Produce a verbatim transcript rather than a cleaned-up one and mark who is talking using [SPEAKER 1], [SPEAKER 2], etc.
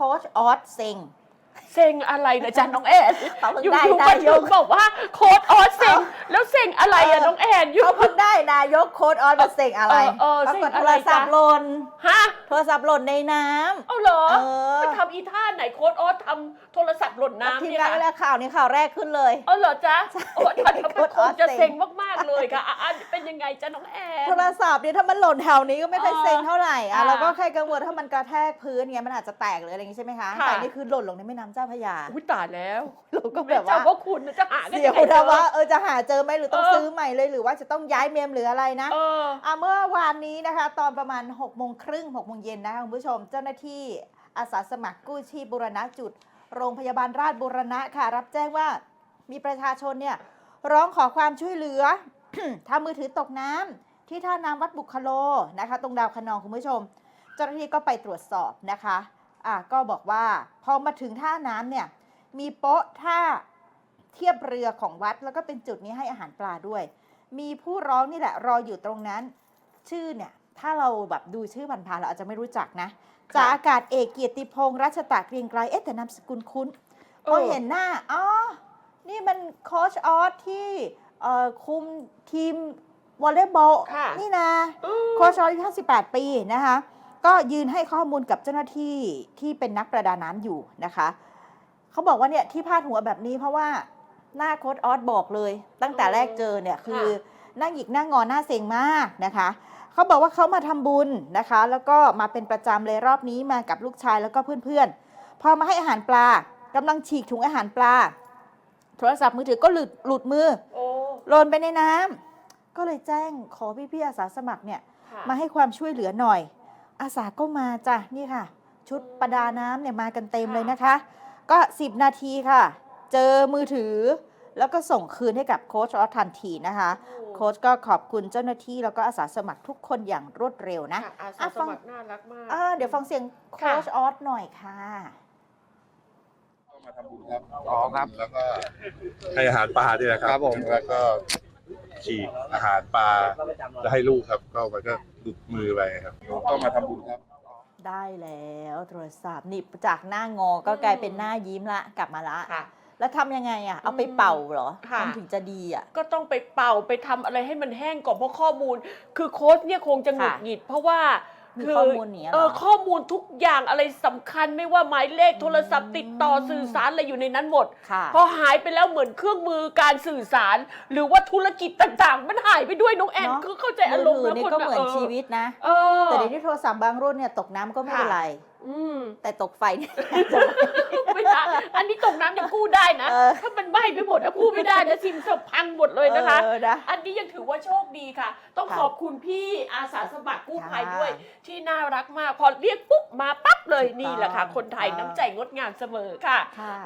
[SPEAKER 1] ค้ชออสเซ็ง
[SPEAKER 2] เซ็งอะไรนะจ๊ะน้องแอนอยู่ๆมาถึงบอกว่าโค้ดออสเซ็งแล้วเซ็งอะไรอะน้องแอนอยู่
[SPEAKER 1] เขาเพิ่งได้นายกโค้ชออสมาเซ็งอะไร
[SPEAKER 2] เออ
[SPEAKER 1] ปรา
[SPEAKER 2] เซ็
[SPEAKER 1] ก
[SPEAKER 2] ง
[SPEAKER 1] ฏ
[SPEAKER 2] อะ
[SPEAKER 1] โท
[SPEAKER 2] ไร
[SPEAKER 1] รศัพ
[SPEAKER 2] จ๊ะ
[SPEAKER 1] ท์หล่น
[SPEAKER 2] ฮะ
[SPEAKER 1] โทรศัพท์หล่นในน้ำ
[SPEAKER 2] เอาเหรอ
[SPEAKER 1] เออ
[SPEAKER 2] ไปทำอีท่าไหนโค้ดออสทำโทรศัพท์หล่นน้ำ
[SPEAKER 1] ทีม
[SPEAKER 2] เนี่ย
[SPEAKER 1] งานเวลาข่าวนี้ข่าวแรกขึ้นเลย
[SPEAKER 2] เอาเหรอจ๊ะโอ้ท่าน
[SPEAKER 1] โค้ด
[SPEAKER 2] ค
[SPEAKER 1] ออง ส
[SPEAKER 2] จะ
[SPEAKER 1] เซ็ง
[SPEAKER 2] เซ็งมากๆเลยค่ะอ่ะอ่ะเป็นยังไงจ๊ะน้องแอน
[SPEAKER 1] โทรศัพท์เนี่ยถ้ามันหล่นแถวนี้ก็ไม่ค่อยเซ็งเท่าไหร่อ่ะ
[SPEAKER 2] อ่า
[SPEAKER 1] เราก็แค่กังวลถ้ามันกระแทกพื้นเงี้ยมันอาจจะแตกหรืออะไรอย่างงี้ใช่ไหมคะ
[SPEAKER 2] ค่ะ
[SPEAKER 1] แต่นี่คือหล่นลงในแม่น้ำเจ้าพระยา
[SPEAKER 2] อุ้ยตายแล้ว
[SPEAKER 1] เราก็
[SPEAKER 2] แบ
[SPEAKER 1] แบบ บ
[SPEAKER 2] ว่า
[SPEAKER 1] ว่า
[SPEAKER 2] ว่าคุณจะหาได้
[SPEAKER 1] เดี๋ยว
[SPEAKER 2] ยังไง
[SPEAKER 1] นะ
[SPEAKER 2] เจอ
[SPEAKER 1] ว่าเออจะหาเจอไหมหรือต้อง
[SPEAKER 2] เออ
[SPEAKER 1] ซื้อใหม่เลยหรือว่าจะต้องย้ายเมมหรืออะไรนะ
[SPEAKER 2] เออ
[SPEAKER 1] อ่ะเมื่อวานนี้นะคะ ตอนประมาณหกโมงครึ่งหกโมงเย็นนะคะคุณผู้ชม เจ้าหน้าที่อาสาสมัครกู้ชีพบูรณะจุด โรงพยาบาลราชบูรณะค่ะ รับแจ้งว่ามีประชาชนเนี่ยร้องขอความช่วยเหลือ ทำมือถือตกน้ำที่ท่าน้ำวัดบุคโลนะคะ ตรงดาวคะนองคุณผู้ชม เจ้าหน้าที่ก็ไปตรวจสอบนะคะอ่ะก็บอกว่าพอมาถึงท่าน้ำเนี่ยมีโป๊ะท่าเทียบเรือของวัดแล้วก็เป็นจุดนี้ให้อาหารปลาด้วย มีผู้ร้องนี่แหละรออยู่ตรงนั้น ชื่อเนี่ยถ้าเราแบบดูชื่อผ่านๆเราอาจจะไม่รู้จักนะจากอากาศเอกเกียรติพงษ์รัชตะเกรียงไกรเอ๊ะแต่นามสกุลคุ้นพอเห็นหน้าอ๋อนี่มันโค้ชออสที่เอ่อคุมทีมวอลเลย์บอล
[SPEAKER 2] ค่ะ
[SPEAKER 1] นี่นะ
[SPEAKER 2] อืม
[SPEAKER 1] โค้ชออสอายุห้าสิบแปดปีนะคะก็ยืนให้ข้อมูลกับเจ้าหน้าที่ที่เป็นนักประดาน้ำอยู่นะคะเขาบอกว่าเนี่ยที่พาดหัวแบบนี้เพราะว่าหน้าโค้ชออสบอกเลย ตั้งแต่แรกเจอเนี่ยคือหน้าหงิกหน้างอหน้าเซ็งมากนะคะเขาบอกว่าเขามาทำบุญนะคะ แล้วก็มาเป็นประจำเลยรอบนี้มากับลูกชายแล้วก็เพื่อนๆพอมาให้อาหารปลากำลังฉีกถุงอาหารปลาโทรศัพท์มือถือก็หลุดหลุดมือ
[SPEAKER 2] โอ้
[SPEAKER 1] หล่นไปในน้ำก็เลยแจ้งขอพี่ๆอาสาสมัครเนี่ย
[SPEAKER 2] ค่ะ
[SPEAKER 1] มาให้ความช่วยเหลือหน่อย อาสาก็มาจ้ะนี่ค่ะ ชุดประดาน้ำเนี่ยมากันเต็มเลยนะคะ ก็สิบนาทีค่ะ เจอมือถือ แล้วก็ส่งคืนให้กับโค้ชออสทันทีนะคะ โค้ชก็ขอบคุณเจ้าหน้าที่แล้วก็อาสาสมัครทุกคนอย่างรวดเร็วนะ
[SPEAKER 2] ค่ะอาสา
[SPEAKER 1] อ่ะ
[SPEAKER 2] ส
[SPEAKER 1] ฟัง
[SPEAKER 2] มัครน่ารักมาก
[SPEAKER 1] อ่าเดี๋ยวฟังเสียงโค้ชออสหน่อยค่ะ
[SPEAKER 3] ก็มาทำบุญครับ
[SPEAKER 4] อ๋อครับ
[SPEAKER 3] แล้วก็ให้อาหารปลาด้วยนะครับ
[SPEAKER 4] ครับผม
[SPEAKER 3] แล้วก็ฉีกอาหารปลาแล้วให้ลูกครับ ก็มันก็หลุดมือไปครับก็มาทำบุญครับ
[SPEAKER 1] ได้แล้วโทรศัพท์นี่จากหน้างอก็กลายเป็นหน้ายิ้มละกลับมาละ
[SPEAKER 2] ค่ะ
[SPEAKER 1] แล้วทำยังไงอ่ะ เอาไปเป่าเหรอ
[SPEAKER 2] ค่ะ
[SPEAKER 1] มันถึงจะดีอ่ะ
[SPEAKER 2] ก็ต้องไปเป่าไปทำอะไรให้มันแห้งก่อนเพราะข้อมูล คือโค้ชเนี่ยคงจะหงุดหงิด เพราะว่า
[SPEAKER 1] มี
[SPEAKER 2] คื
[SPEAKER 1] ข้อมูลเนี้ยเหรอ
[SPEAKER 2] เออข้อมูลทุกอย่างอะไรสำคัญไม่ว่าหมายเลขโทรศัพท์ติดต่อสื่อสารอะไรอยู่ในนั้นหมด
[SPEAKER 1] ค่ะ
[SPEAKER 2] พอหายไปแล้วเหมือนเครื่องมือการสื่อสาร หรือว่าธุรกิจต่างๆ มันหายไปด้วยน้องแอน
[SPEAKER 1] เนอะ
[SPEAKER 2] คือเข้าใจอารมณ์
[SPEAKER 1] มือ
[SPEAKER 2] แล้ว
[SPEAKER 1] ถือนี่
[SPEAKER 2] คน
[SPEAKER 1] ก็เหมือนชีวิตนะ
[SPEAKER 2] เออ
[SPEAKER 1] แต่เดี๋ยวนี้โทรศัพท์บางรุ่นเนี่ยตกน้ำก็ไม่เป็นไร
[SPEAKER 2] อืม
[SPEAKER 1] แต่ตกไฟเนี่ย
[SPEAKER 2] ไม่ได้อันนี้ตกน้ำยังกู้ได้นะ
[SPEAKER 1] เออ
[SPEAKER 2] ถ้ามันไหม้ไปหมดนะกู้ไม่ได้นะซิมสับพังหมดเลยนะคะ
[SPEAKER 1] เออนะ
[SPEAKER 2] อันนี้ยังถือว่าโชคดีค่ะ ต้อง
[SPEAKER 1] ค่ะ
[SPEAKER 2] ขอบคุณพี่อาสาสมัครกู้ภัย
[SPEAKER 1] ค่ะ
[SPEAKER 2] ด้วย ที่น่ารักมาก พอเรียกปุ๊บมาปั๊บเลย
[SPEAKER 1] ถูกต้อง
[SPEAKER 2] นี่แหละค่ะ คนไทย
[SPEAKER 1] เออ
[SPEAKER 2] น้ำใจงดงามเสมอค่ะ
[SPEAKER 1] ค่ะ